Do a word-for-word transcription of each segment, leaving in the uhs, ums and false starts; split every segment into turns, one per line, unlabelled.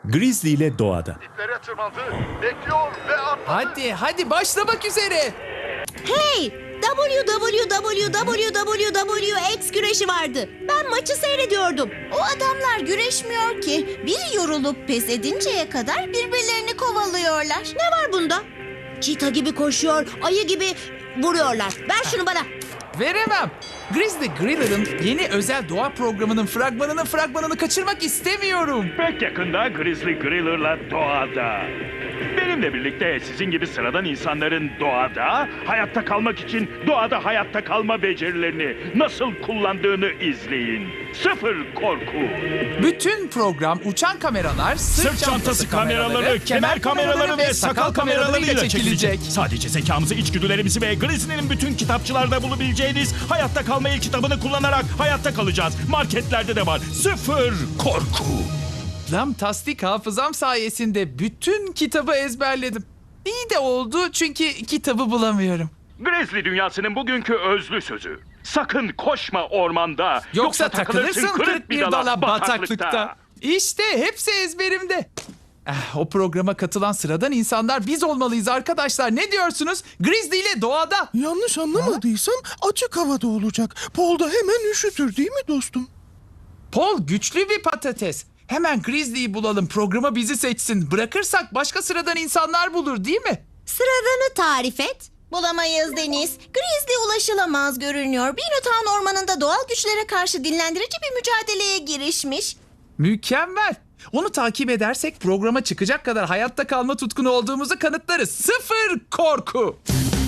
Grizzly ile doğada.
Diplere tırmandı, bekliyor ve atladı.
Hadi hadi başlamak üzere.
Hey! W W W W W W X güreşi vardı. Ben maçı seyrediyordum.
O adamlar güreşmiyor ki. Biri yorulup pes edinceye kadar birbirlerini kovalıyorlar.
Ne var bunda? Çita gibi koşuyor, ayı gibi vuruyorlar. Ver şunu bana.
Veremem. Grizzly Griller'ın yeni özel doğa programının fragmanının fragmanını kaçırmak istemiyorum.
Pek yakında Grizzly Griller'la doğada. Benimle birlikte sizin gibi sıradan insanların doğada, hayatta kalmak için doğada hayatta kalma becerilerini nasıl kullandığını izleyin. Sıfır korku.
Bütün program uçan kameralar, sırt,
Sırt çantası kameraları, kemer kameraları ve sakal kameralarıyla çekilecek. Sadece zekamızı, içgüdülerimizi ve Grizzly'nin bütün kitapçılarda bulabileceğiniz hayatta kalma ilk kitabını kullanarak hayatta kalacağız. Marketlerde de var. Sıfır korku.
Lan tasdik hafızam sayesinde bütün kitabı ezberledim. İyi de oldu çünkü kitabı bulamıyorum.
Grizzly dünyasının bugünkü özlü sözü. Sakın koşma ormanda.
Yoksa, takılırsın kırık bir dala bataklıkta. İşte hepsi ezberimde. Eh, o programa katılan sıradan insanlar biz olmalıyız arkadaşlar. Ne diyorsunuz? Grizzly ile doğada.
Yanlış anlamadıysam açık havada olacak. Paul da hemen üşütür değil mi dostum?
Paul güçlü bir patates. Hemen Grizzly'yi bulalım, programa bizi seçsin. Bırakırsak başka sıradan insanlar bulur değil mi?
Sıradanı tarif et.
Bulamayız Deniz. Grizzly ulaşılamaz görünüyor. Binotown ormanında doğal güçlere karşı dinlendirici bir mücadeleye girişmiş.
Mükemmel. Onu takip edersek programa çıkacak kadar hayatta kalma tutkunu olduğumuzu kanıtlarız. Sıfır korku.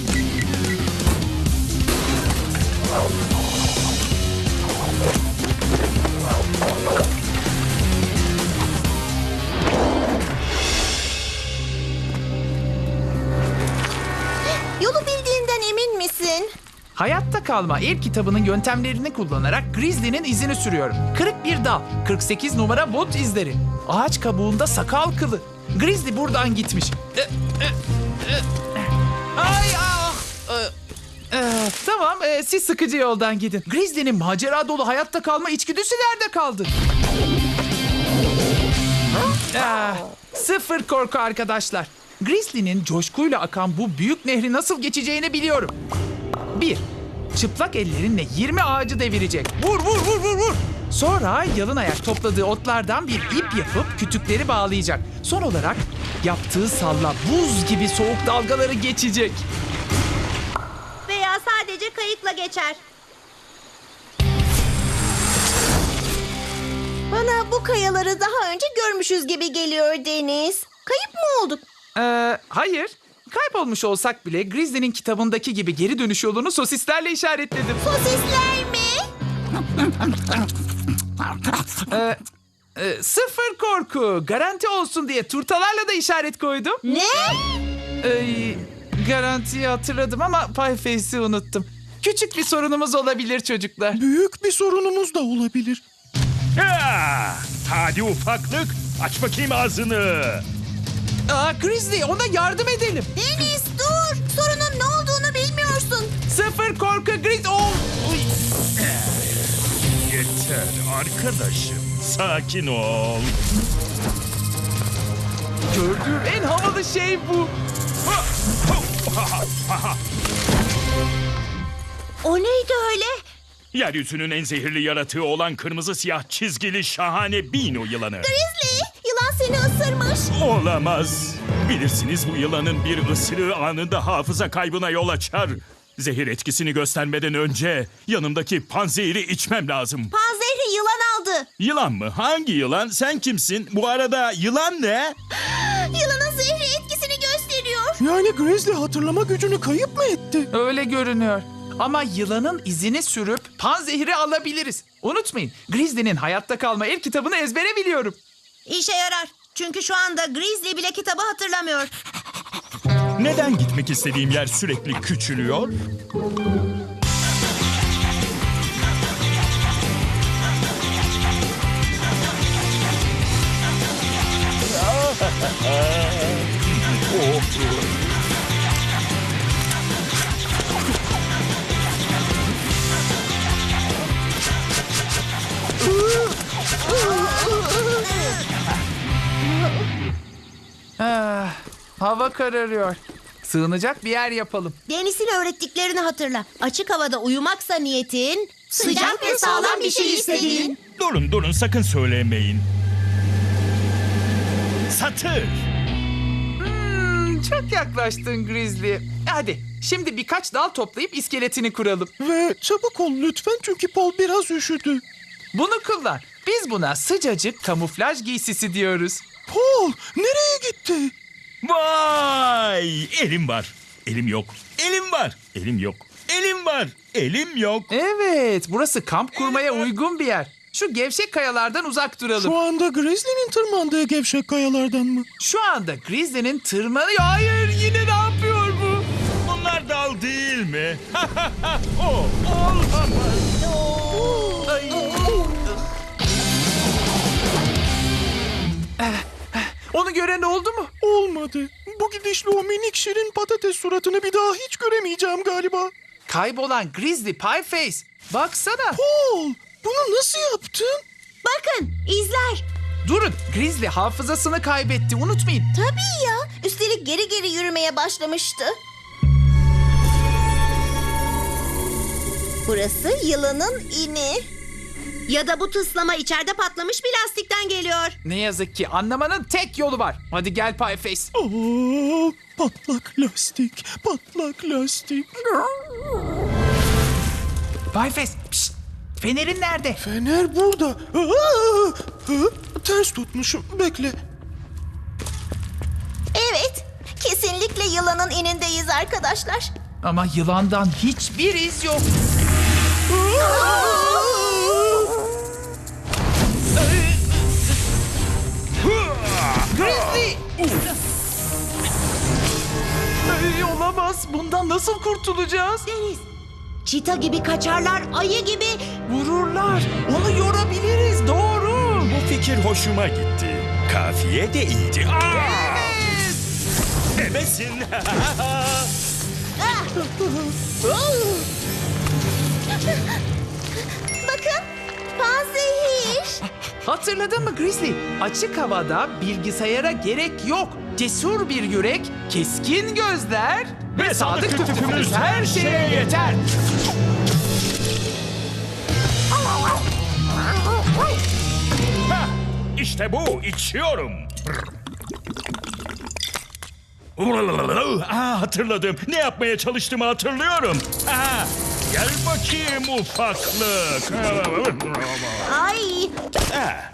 Yolu bildiğinden emin misin?
Hayatta kalma el kitabının yöntemlerini kullanarak Grizzly'nin izini sürüyorum. Kırık bir dal, kırk sekiz numara bot izleri. Ağaç kabuğunda sakal kılı. Grizzly buradan gitmiş. E, e, e. Ay ah! E, e, tamam, e, siz sıkıcı yoldan gidin. Grizzly'nin macera dolu hayatta kalma içgüdüsü nerede kaldı? Ah, sıfır korku arkadaşlar. Grizzly'nin coşkuyla akan bu büyük nehri nasıl geçeceğini biliyorum. Bir, çıplak ellerinle yirmi ağacı devirecek. Vur vur vur vur vur. Sonra yalın ayak topladığı otlardan bir ip yapıp kütükleri bağlayacak. Son olarak yaptığı salla buz gibi soğuk dalgaları geçecek.
Veya sadece kayıkla geçer.
Bana bu kayaları daha önce görmüşüz gibi geliyor Deniz. Kayıp mı olduk?
Ee, hayır. Kaybolmuş olsak bile Grizzly'nin kitabındaki gibi geri dönüş yolunu sosislerle işaretledim.
Sosisler mi?
Ee, e, sıfır korku. Garanti olsun diye turtalarla da işaret koydum.
Ne?
Ee, garantiyi hatırladım ama Pieface'i unuttum. Küçük bir sorunumuz olabilir çocuklar.
Büyük bir sorunumuz da olabilir.
Ha! Hadi ufaklık, aç bakayım ağzını.
Aa, Grizzly, ona yardım edelim.
Deniz dur. Sorunun ne olduğunu bilmiyorsun.
Sıfır korku Grizzly. Oh! Uy.
Yeter arkadaşım, sakin ol.
Gördüğüm en havalı şey bu.
O neydi öyle?
Yeryüzünün en zehirli yaratığı olan kırmızı siyah çizgili şahane Bino yılanı.
Grizzly, yılan seni ısırmış.
Olamaz. Bilirsiniz bu yılanın bir ısırığı anında hafıza kaybına yol açar. Zehir etkisini göstermeden önce yanımdaki panzehiri içmem lazım.
Panzehri yılan aldı.
Yılan mı? Hangi yılan? Sen kimsin? Bu arada yılan ne?
Yılanın zehri etkisini gösteriyor.
Yani Grizzly hatırlama gücünü kayıp mı etti?
Öyle görünüyor. Ama yılanın izini sürüp panzehiri alabiliriz. Unutmayın, Grizzly'nin hayatta kalma el kitabını ezbere biliyorum.
İşe yarar. Çünkü şu anda Grizzly bile kitabı hatırlamıyor.
Neden gitmek istediğim yer sürekli küçülüyor?
Hava kararıyor. Sığınacak bir yer yapalım.
Deniz'in öğrettiklerini hatırla. Açık havada uyumaksa niyetin, sıcak ve sağlam bir şey istediğin.
Durun durun sakın söylemeyin. Satır.
Hmm, çok yaklaştın Grizzly. Hadi şimdi birkaç dal toplayıp iskeletini kuralım.
Ve çabuk ol lütfen çünkü Paul biraz üşüdü.
Bunu kullan. Biz buna sıcacık kamuflaj giysisi diyoruz.
Paul nereye gitti?
Vay! Elim var. Elim yok. Elim var. Elim yok. Elim var. Elim yok.
Evet, burası kamp kurmaya uygun bir yer. Şu gevşek kayalardan uzak duralım.
Şu anda Grizzly'nin tırmandığı gevşek kayalardan mı?
Şu anda Grizzly'nin tırmanıyor. Hayır, yine ne yapıyor bu?
Bunlar dal değil mi? o, olamaz.
Ay. Onu gören oldu mu?
Olmadı. Bu gidişle o minik şirin patates suratını bir daha hiç göremeyeceğim galiba.
Kaybolan Grizzly Pieface. Baksana.
Paul bunu nasıl yaptın?
Bakın, izler.
Durun, Grizzly hafızasını kaybetti. Unutmayın.
Tabii ya. Üstelik geri geri yürümeye başlamıştı. Burası yılanın ini.
Ya da bu tıslama içeride patlamış bir lastikten geliyor.
Ne yazık ki anlamanın tek yolu var. Hadi gel Pieface.
Aa, patlak lastik, patlak lastik.
Pieface, pişt. Fenerin nerede?
Fener burada. Aa, hı, ters tutmuşum. Bekle.
Evet. Kesinlikle yılanın inindeyiz arkadaşlar.
Ama yılandan hiçbir iz yok. Grizzly! Ay, olamaz. Bundan nasıl kurtulacağız?
Deniz, çita gibi kaçarlar, ayı gibi.
Vururlar. Onu yorabiliriz. Doğru.
Bu fikir hoşuma gitti. Kafiye de iyiydi. Aa! Ebesin.
Bakın. Panzehir.
Hatırladın mı Grizzly? Açık havada bilgisayara gerek yok. Cesur bir yürek, keskin gözler ve sadık tutumumuz her şeye yeter.
Hah, İşte bu. İçiyorum. Aa, hatırladım. Ne yapmaya çalıştığımı hatırlıyorum. Aa, gel bakayım ufaklık.
Ay.
Ha,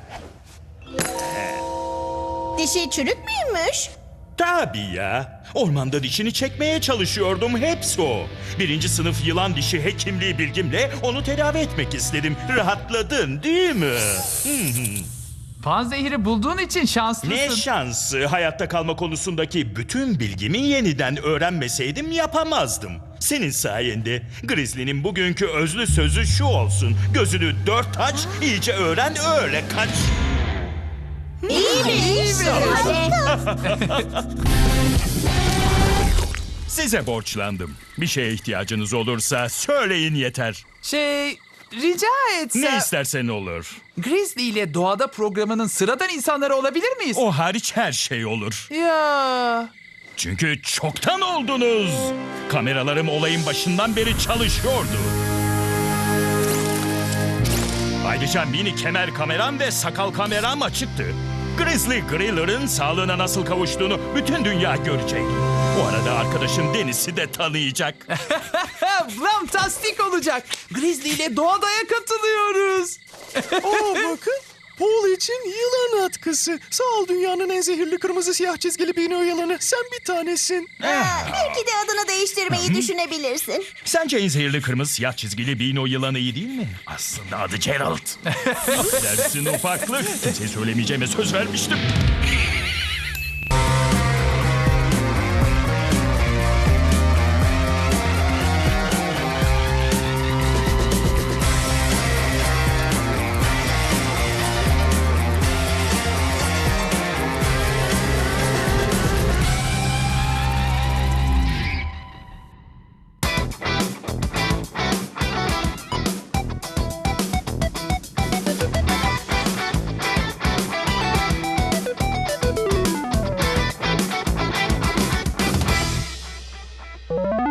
Dişi çürük müymüş?
tabii ya. Ormanda dişini çekmeye çalışıyordum. Hepsi o. Birinci sınıf yılan dişi hekimliği bilgimle onu tedavi etmek istedim. Rahatladın değil mi?
Panzehiri bulduğun için şanslısın.
Ne şansı. Hayatta kalma konusundaki bütün bilgimi yeniden öğrenmeseydim yapamazdım. Senin sayende. Grizzly'nin bugünkü özlü sözü şu olsun. Gözünü dört aç, iyice öğren, öyle kaç. Size borçlandım. Bir şeye ihtiyacınız olursa söyleyin yeter.
Şey, rica etsem...
Ne istersen olur.
Grizzly ile Doğada programının sıradan insanları olabilir miyiz?
O hariç her şey olur.
Ya...
Çünkü çoktan oldunuz. Kameralarım olayın başından beri çalışıyordu. Ayrıca mini kemer kameram ve sakal kameram açıktı. Grizzly Griller'ın sağlığına nasıl kavuştuğunu bütün dünya görecek. Bu arada arkadaşım Deniz'i de tanıyacak.
Fantastik olacak. Grizzly ile Doğada'ya katılıyoruz.
Aa bakın. Paul için yılan atkısı. Sağ ol dünyanın en zehirli kırmızı siyah çizgili bino yılanı. Sen bir tanesin.
Ha, belki de adını değiştirmeyi düşünebilirsin.
Sence en zehirli kırmızı siyah çizgili Bino yılanı iyi değil mi? Aslında adı Gerald. Dersin ufaklık. Size söylemeyeceğime söz vermiştim.
Aa!